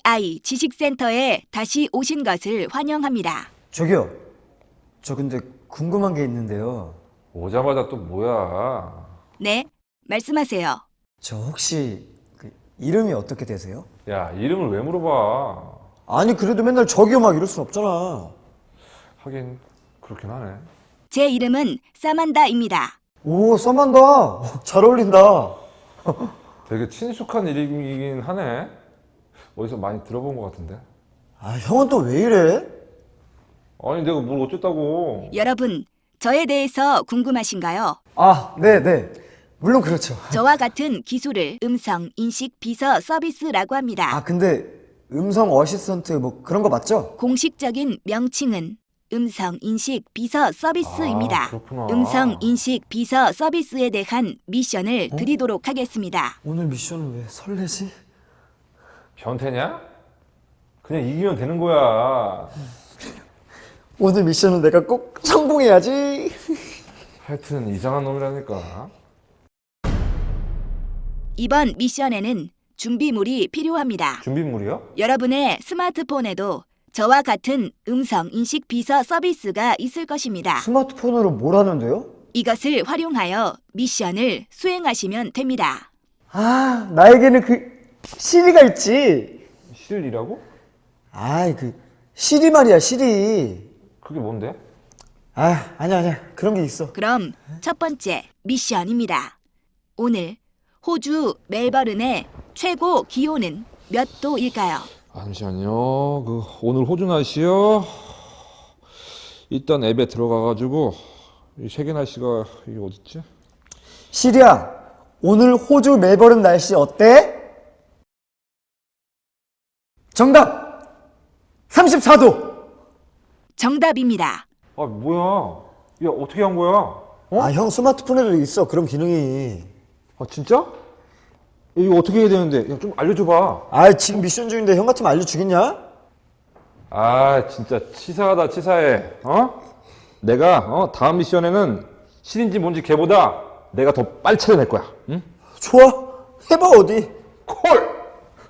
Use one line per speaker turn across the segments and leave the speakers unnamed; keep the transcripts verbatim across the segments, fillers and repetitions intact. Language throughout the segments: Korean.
에이아이 지식센터에 다시 오신 것을 환영합니다.
저기요. 저 근데 궁금한 게 있는데요.
오자마자 또 뭐야?
네, 말씀하세요.
저 혹시 그 이름이 어떻게 되세요?
야, 이름을 왜 물어봐?
아니 그래도 맨날 저기요 막 이럴 순 없잖아.
하긴 그렇긴 하네.
제 이름은 사만다입니다.
오, 써만다. 잘 어울린다.
되게 친숙한 이름이긴 하네. 어디서 많이 들어본 것 같은데.
아, 형은 또 왜 이래?
아니 내가 뭘 어쨌다고?
여러분, 저에 대해서 궁금하신가요?
아, 네, 네. 물론 그렇죠.
저와 같은 기술을 음성 인식 비서 서비스라고 합니다.
아, 근데 음성 어시스턴트 뭐 그런 거 맞죠?
공식적인 명칭은 음성 인식 비서 서비스입니다.
아, 그렇구나.
음성 인식 비서 서비스에 대한 미션을 드리도록 하겠습니다.
오늘 미션은 왜 설레지?
변태냐? 그냥 이기면 되는 거야.
오늘 미션은 내가 꼭 성공해야지.
하여튼 이상한 놈이라니까.
이번 미션에는 준비물이 필요합니다.
준비물이요?
여러분의 스마트폰에도 저와 같은 음성 인식 비서 서비스가 있을 것입니다.
스마트폰으로 뭘 하는데요?
이것을 활용하여 미션을 수행하시면 됩니다.
아, 나에게는 그 시리가 있지.
실이라고?
아이, 그 시리 말이야, 시리.
그게 뭔데?
아, 아니야, 아니야. 그런 게 있어.
그럼 첫 번째 미션입니다. 오늘 호주 멜버른의 최고 기온은 몇 도일까요?
아, 잠시만요. 그 오늘 호주 날씨요. 일단 앱에 들어가가지고 이 세계 날씨가 이게 어딨지?
시리야, 오늘 호주 멜버른 날씨 어때? 정답! 삼십사 도!
정답입니다.
아 뭐야? 야 어떻게 한 거야? 어?
아, 형 스마트폰에도 있어, 그런 기능이.
아 진짜? 야, 이거 어떻게 해야 되는데? 야, 좀 알려줘봐.
아, 지금 미션 중인데 형 같으면 알려주겠냐?
아 진짜 치사하다 치사해. 어? 내가 어 다음 미션에는 실인지 뭔지 걔보다 내가 더 빨리 찾아낼 거야. 응?
좋아, 해봐, 어디.
콜!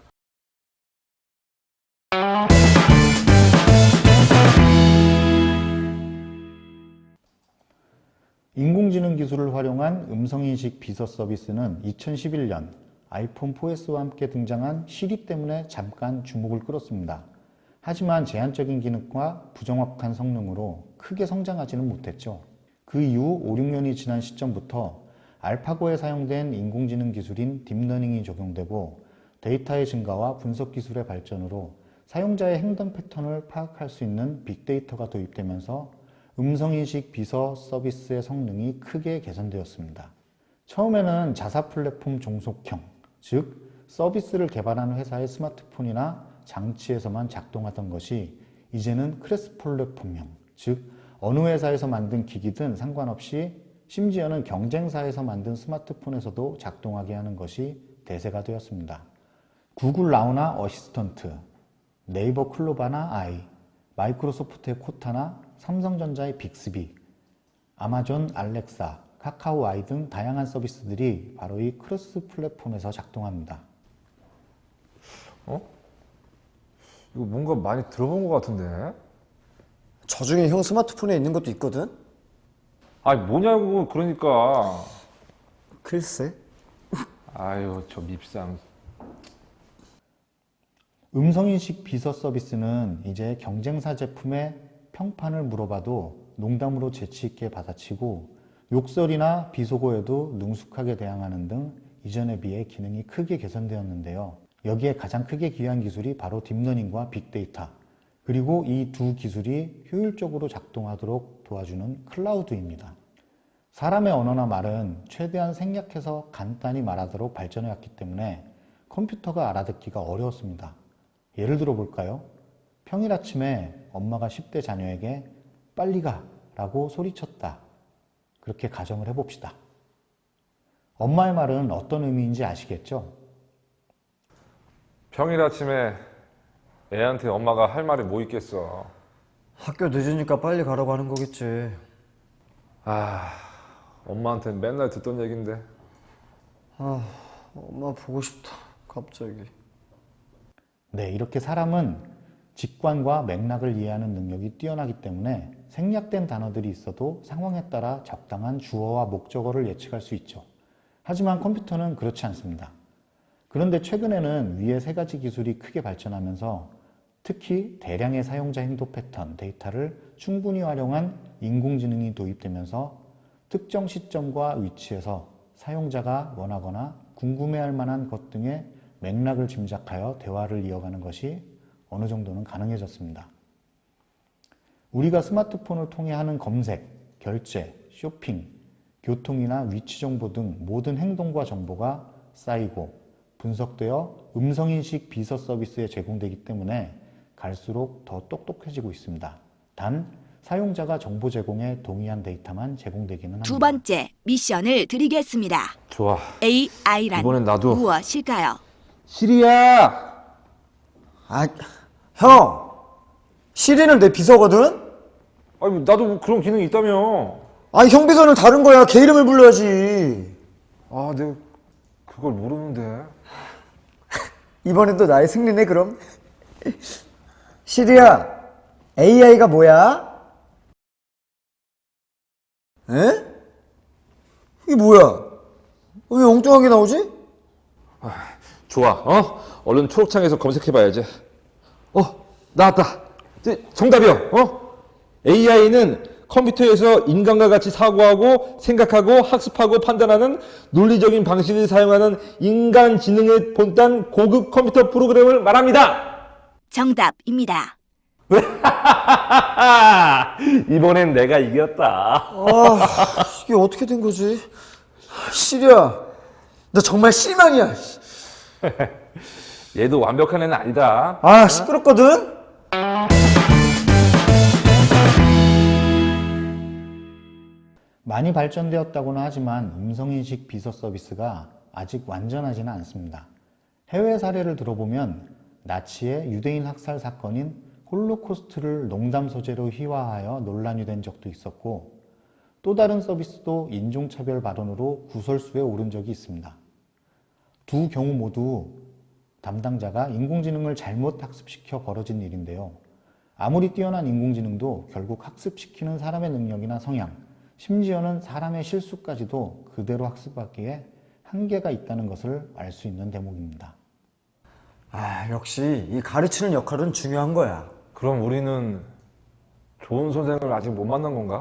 인공지능 기술을 활용한 음성인식 비서 서비스는 이천십일 년 아이폰 포에스와 함께 등장한 시리 때문에 잠깐 주목을 끌었습니다. 하지만 제한적인 기능과 부정확한 성능으로 크게 성장하지는 못했죠. 그 이후 오, 육 년이 지난 시점부터 알파고에 사용된 인공지능 기술인 딥러닝이 적용되고 데이터의 증가와 분석 기술의 발전으로 사용자의 행동 패턴을 파악할 수 있는 빅데이터가 도입되면서 음성인식 비서 서비스의 성능이 크게 개선되었습니다. 처음에는 자사 플랫폼 종속형, 즉 서비스를 개발하는 회사의 스마트폰이나 장치에서만 작동하던 것이 이제는 크로스 플랫폼형, 즉 어느 회사에서 만든 기기든 상관없이 심지어는 경쟁사에서 만든 스마트폰에서도 작동하게 하는 것이 대세가 되었습니다. 구글 나우나 어시스턴트, 네이버 클로바나 아이, 마이크로소프트의 코타나 삼성전자의 빅스비, 아마존 알렉사, 카카오 아이 등 다양한 서비스들이 바로 이 크로스 플랫폼에서 작동합니다.
어? 이거 뭔가 많이 들어본 것 같은데?
저 중에 형 스마트폰에 있는 것도 있거든?
아니 뭐냐고 그러니까.
글쎄.
아유 저 밉상.
음성인식 비서 서비스는 이제 경쟁사 제품의 평판을 물어봐도 농담으로 재치있게 받아치고 욕설이나 비속어에도 능숙하게 대항하는 등 이전에 비해 기능이 크게 개선되었는데요. 여기에 가장 크게 기여한 기술이 바로 딥러닝과 빅데이터, 그리고 이 두 기술이 효율적으로 작동하도록 도와주는 클라우드입니다. 사람의 언어나 말은 최대한 생략해서 간단히 말하도록 발전해왔기 때문에 컴퓨터가 알아듣기가 어려웠습니다. 예를 들어 볼까요? 평일 아침에 엄마가 십 대 자녀에게 빨리 가 라고 소리쳤다. 그렇게 가정을 해봅시다. 엄마의 말은 어떤 의미인지 아시겠죠?
평일 아침에 애한테 엄마가 할 말이 뭐 있겠어.
학교 늦으니까 빨리 가라고 하는 거겠지.
아, 엄마한테 맨날 듣던 얘긴데.
아, 엄마 보고 싶다, 갑자기.
네, 이렇게 사람은 직관과 맥락을 이해하는 능력이 뛰어나기 때문에 생략된 단어들이 있어도 상황에 따라 적당한 주어와 목적어를 예측할 수 있죠. 하지만 컴퓨터는 그렇지 않습니다. 그런데 최근에는 위의 세 가지 기술이 크게 발전하면서 특히 대량의 사용자 행동 패턴 데이터를 충분히 활용한 인공지능이 도입되면서 특정 시점과 위치에서 사용자가 원하거나 궁금해할 만한 것 등의 맥락을 짐작하여 대화를 이어가는 것이 어느 정도는 가능해졌습니다. 우리가 스마트폰을 통해 하는 검색, 결제, 쇼핑, 교통이나 위치 정보 등 모든 행동과 정보가 쌓이고 분석되어 음성인식 비서 서비스에 제공되기 때문에 갈수록 더 똑똑해지고 있습니다. 단, 사용자가 정보 제공에 동의한 데이터만 제공되기는 합니다.
두 번째 미션을 드리겠습니다.
좋아.
에이아이란
이번엔 나도.
무엇일까요?
시리야!
아, 형! 시리는 내 비서거든?
아니, 나도 뭐 그런 기능이 있다며.
아니, 형 비서는 다른 거야. 걔 이름을 불러야지.
아, 내가 그걸 모르는데.
이번엔 또 나의 승리네, 그럼. 시리야, 에이아이가 뭐야? 에? 이게 뭐야? 왜 엉뚱하게 나오지?
좋아, 어? 얼른 초록창에서 검색해봐야지. 어, 나왔다. 이제 정답이요, 어? 에이아이는 컴퓨터에서 인간과 같이 사고하고 생각하고 학습하고 판단하는 논리적인 방식을 사용하는 인간 지능의 본딴 고급 컴퓨터 프로그램을 말합니다.
정답입니다.
이번엔 내가 이겼다.
아, 이게 어떻게 된 거지? 시리야, 너 정말 실망이야.
얘도 완벽한 애는 아니다.
아, 시끄럽거든?
많이 발전되었다고는 하지만 음성인식 비서 서비스가 아직 완전하지는 않습니다. 해외 사례를 들어보면 나치의 유대인 학살 사건인 홀로코스트를 농담 소재로 휘화하여 논란이 된 적도 있었고 또 다른 서비스도 인종차별 발언으로 구설수에 오른 적이 있습니다. 두 경우 모두 담당자가 인공지능을 잘못 학습시켜 벌어진 일인데요. 아무리 뛰어난 인공지능도 결국 학습시키는 사람의 능력이나 성향, 심지어는 사람의 실수까지도 그대로 학습하기에 한계가 있다는 것을 알 수 있는 대목입니다.
아, 역시 이 가르치는 역할은 중요한 거야.
그럼 우리는 좋은 선생을 아직 못 만난 건가?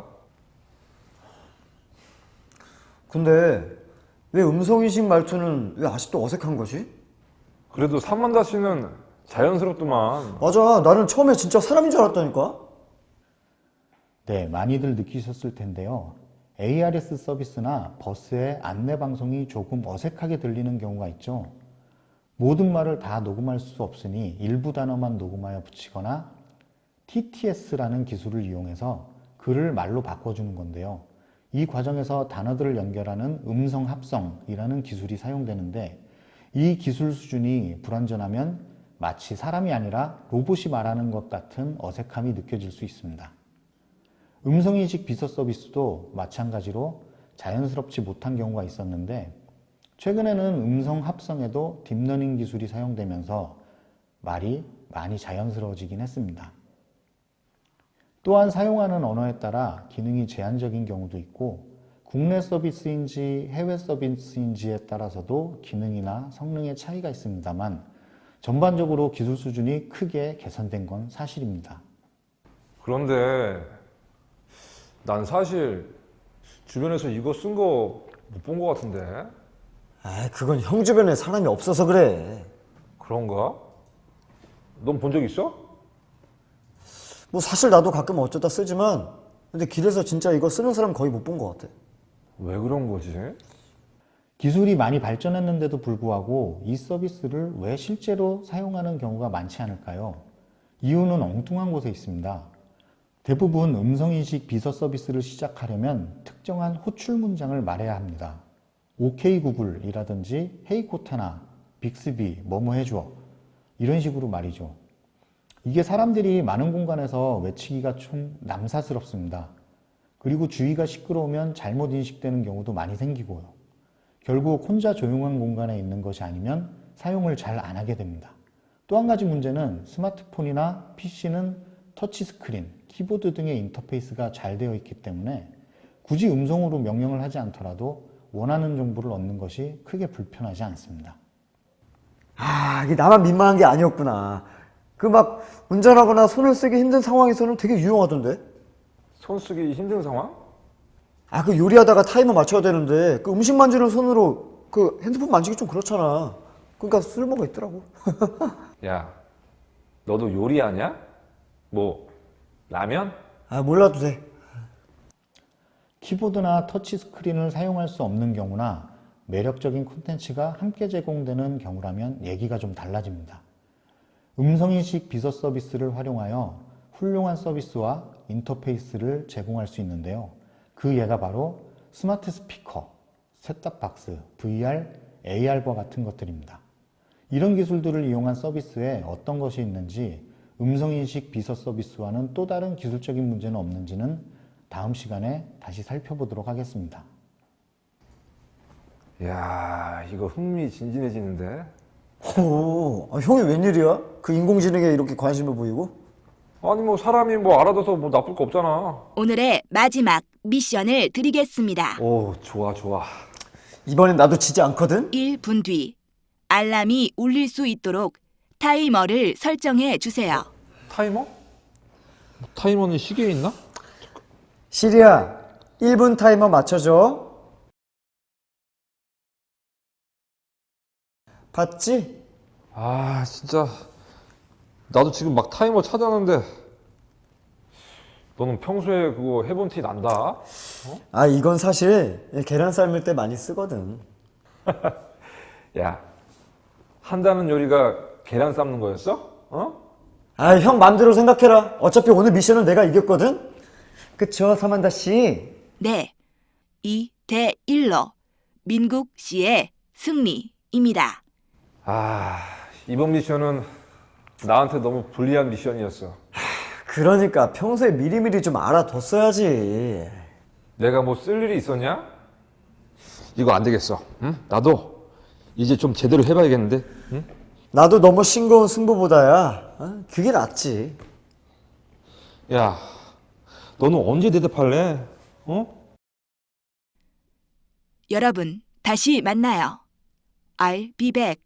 근데 왜 음성인식 말투는 왜 아직도 어색한 거지?
그래도 삼만다 씨는 자연스럽더만.
맞아, 나는 처음에 진짜 사람인 줄 알았다니까?
네, 많이들 느끼셨을 텐데요. 에이아르에스 서비스나 버스의 안내 방송이 조금 어색하게 들리는 경우가 있죠. 모든 말을 다 녹음할 수 없으니 일부 단어만 녹음하여 붙이거나 티티에스라는 기술을 이용해서 글을 말로 바꿔주는 건데요. 이 과정에서 단어들을 연결하는 음성 합성이라는 기술이 사용되는데 이 기술 수준이 불완전하면 마치 사람이 아니라 로봇이 말하는 것 같은 어색함이 느껴질 수 있습니다. 음성인식 비서 서비스도 마찬가지로 자연스럽지 못한 경우가 있었는데 최근에는 음성 합성에도 딥러닝 기술이 사용되면서 말이 많이 자연스러워지긴 했습니다. 또한 사용하는 언어에 따라 기능이 제한적인 경우도 있고 국내 서비스인지 해외 서비스인지에 따라서도 기능이나 성능의 차이가 있습니다만 전반적으로 기술 수준이 크게 개선된 건 사실입니다.
그런데 난 사실 주변에서 이거 쓴 거 못 본 거 같은데.
아, 그건 형 주변에 사람이 없어서 그래.
그런가? 넌 본 적 있어?
뭐 사실 나도 가끔 어쩌다 쓰지만 근데 길에서 진짜 이거 쓰는 사람 거의 못 본 것 같아.
왜 그런 거지?
기술이 많이 발전했는데도 불구하고 이 서비스를 왜 실제로 사용하는 경우가 많지 않을까요? 이유는 엉뚱한 곳에 있습니다. 대부분 음성인식 비서 서비스를 시작하려면 특정한 호출 문장을 말해야 합니다. 오케이 구글이라든지 헤이 코타나, 빅스비, 뭐뭐 해줘 이런 식으로 말이죠. 이게 사람들이 많은 공간에서 외치기가 좀 남사스럽습니다. 그리고 주위가 시끄러우면 잘못 인식되는 경우도 많이 생기고요. 결국 혼자 조용한 공간에 있는 것이 아니면 사용을 잘 안 하게 됩니다. 또 한 가지 문제는 스마트폰이나 피씨는 터치스크린, 키보드 등의 인터페이스가 잘 되어 있기 때문에 굳이 음성으로 명령을 하지 않더라도 원하는 정보를 얻는 것이 크게 불편하지 않습니다.
아, 이게 나만 민망한 게 아니었구나. 그 막 운전하거나 손을 쓰기 힘든 상황에서는 되게 유용하던데.
손 쓰기 힘든 상황?
아, 그 요리하다가 타이머 맞춰야 되는데 그 음식 만지는 손으로 그 핸드폰 만지기 좀 그렇잖아. 그러니까 쓸모가 있더라고.
야, 너도 요리하냐? 뭐 라면?
아, 몰라도 돼.
키보드나 터치스크린을 사용할 수 없는 경우나 매력적인 콘텐츠가 함께 제공되는 경우라면 얘기가 좀 달라집니다. 음성인식 비서 서비스를 활용하여 훌륭한 서비스와 인터페이스를 제공할 수 있는데요. 그 예가 바로 스마트 스피커, 셋탑박스, 브이알, 에이알과 같은 것들입니다. 이런 기술들을 이용한 서비스에 어떤 것이 있는지, 음성인식 비서 서비스와는 또 다른 기술적인 문제는 없는지는 다음 시간에 다시 살펴보도록 하겠습니다.
야, 이거 흥미진진해지는데.
오, 아, 형이 웬일이야? 그 인공지능에 이렇게 관심을 보이고?
아니 뭐 사람이 뭐 알아둬서 뭐 나쁠 거 없잖아.
오늘의 마지막 미션을 드리겠습니다.
오, 좋아 좋아.
이번엔 나도 지지 않거든?
일 분 뒤 알람이 울릴 수 있도록 타이머를 설정해 주세요.
타이머? 타이머는 시계에 있나?
시리야, 일 분 타이머 맞춰줘. 봤지?
아, 진짜 나도 지금 막 타이머 찾았는데 너는 평소에 그거 해본 티 난다.
아, 이건 사실 계란 삶을 때 많이 쓰거든.
야, 한다는 요리가 계란 삶는 거였어? 어?
아, 형 맘대로 생각해라. 어차피 오늘 미션은 내가 이겼거든? 그쵸, 사만다 씨?
네, 이 대 일로 민국 씨의 승리입니다.
아, 이번 미션은 나한테 너무 불리한 미션이었어.
그러니까 평소에 미리미리 좀 알아뒀어야지.
내가 뭐 쓸 일이 있었냐? 이거 안 되겠어. 응? 나도 이제 좀 제대로 해봐야겠는데. 응?
나도 너무 싱거운 승부보다야. 어? 그게 낫지.
야, 너는 언제 대답할래? 어?
여러분, 다시 만나요. I'll be back.